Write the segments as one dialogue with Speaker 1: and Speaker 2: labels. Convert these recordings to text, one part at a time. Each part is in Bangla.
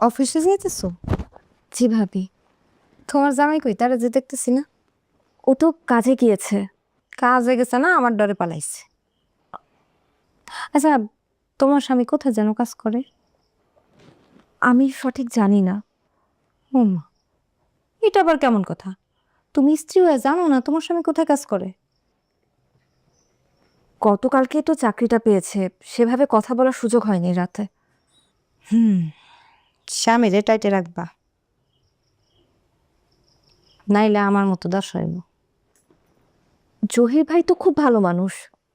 Speaker 1: অফিসে যাইতেছো? জি ভাবি। তোমার জামাই কই? তারা যে দেখতেছি না। ও তো কাজে গিয়েছে। কাজে গেছে না, আমার ডরে পালাইছে। আচ্ছা, তোমার স্বামী কোথায় যেন কাজ করে? আমি সঠিক জানি না। ও মা, এটা আবার কেমন কথা? তুমি স্ত্রী হয়ে জানো না তোমার স্বামী কোথায় কাজ করে? গতকালকে তো চাকরিটা পেয়েছে, সেভাবে কথা বলার সুযোগ হয়নি রাতে। স্বামীরে টাইটে রাখবা, নাইলে আমার মতো দশ হইব। জহির ভাই তো খুব ভালো মানুষ।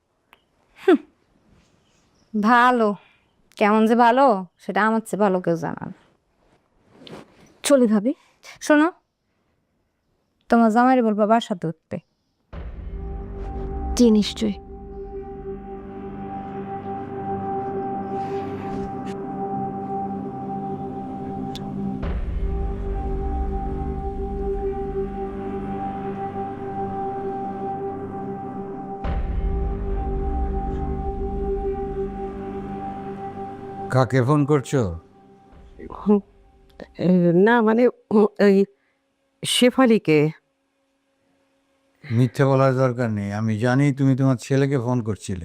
Speaker 1: ভালো, কেমন যে ভালো সেটা আমার চেয়ে ভালো কেউ জানান। চলি ভাবি। শোনো, তোমার জামাইরে বলবা বাসাতে উঠবে। জি নিশ্চয়ই।
Speaker 2: কাকে ফোন করছো?
Speaker 3: হুম, না মানে ওই শেফালিকে।
Speaker 2: মিথ্যে বলার দরকার নেই, আমি জানি তুমি তোমার ছেলেকে ফোন করছিলে।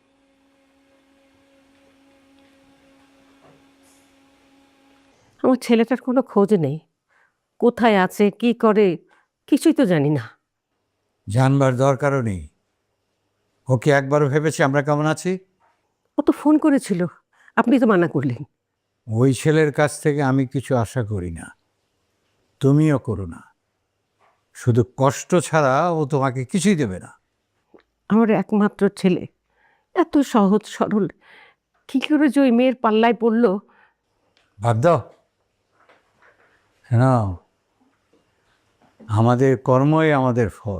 Speaker 3: আমার ছেলেটার কোনো খোঁজ নেই, কোথায় আছে কি করে কিছুই তো জানি না।
Speaker 2: জানবার দরকারও নেই। ওকে একবারও ভেবেছে আমরা কেমন আছি?
Speaker 3: ও তো ফোন করেছিল, আপনি তো মানা করলেন।
Speaker 2: ওই ছেলের কাছ থেকে আমি কিছু আশা করি না, তুমিও করো না। শুধু কষ্ট ছাড়া ও তোমাকে কিছুই দেবে না।
Speaker 3: আমার একমাত্র ছেলে, এত সহজ সরল, কি করে যে ওই মেয়ের পাল্লায় পড়লো।
Speaker 2: বাদ দাও। হ্যাঁ, আমাদের কর্মই আমাদের ফল।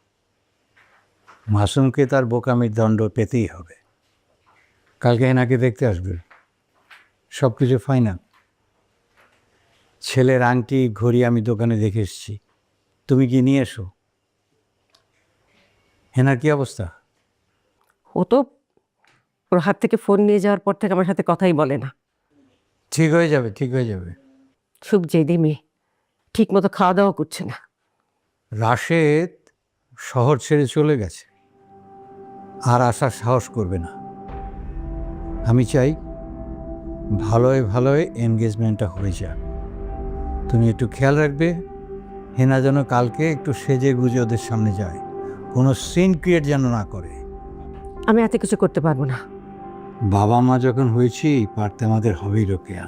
Speaker 2: মাসুমকে তার বোকামির দণ্ড পেতেই হবে। কালকে হেনাকে দেখতে আসবে, সব কিছু ফাইনাল। ছেলের আংটি ঘড়ি আমি দোকানে দেখে এসেছি, তুমি কি নিয়ে এসো। হেনার কি অবস্থা?
Speaker 3: ও তো ওর হাত থেকে ফোন নিয়ে যাওয়ার পর থেকে আমার সাথে কথাই বলে না।
Speaker 2: ঠিক হয়ে যাবে, ঠিক হয়ে যাবে।
Speaker 3: খুব জেদি মেয়ে, ঠিক মতো খাওয়া দাওয়া করছে না।
Speaker 2: রাশেদ শহর ছেড়ে চলে গেছে, আর আসার সাহস করবে না। আমি চাই ভালোয় ভালোয় এনগেজমেন্টটা হয়ে যাক। তুমি একটু খেয়াল রাখবে, হেনা যেন কালকে একটু সেজে গুজে ওদের সামনে যায়, কোনো সিন ক্রিয়েট যেন না করে।
Speaker 3: আমি এত কিছু করতে পারবো না।
Speaker 2: বাবা মা যখন হয়েছি, পারতে আমাদের হবেই রোকেয়া।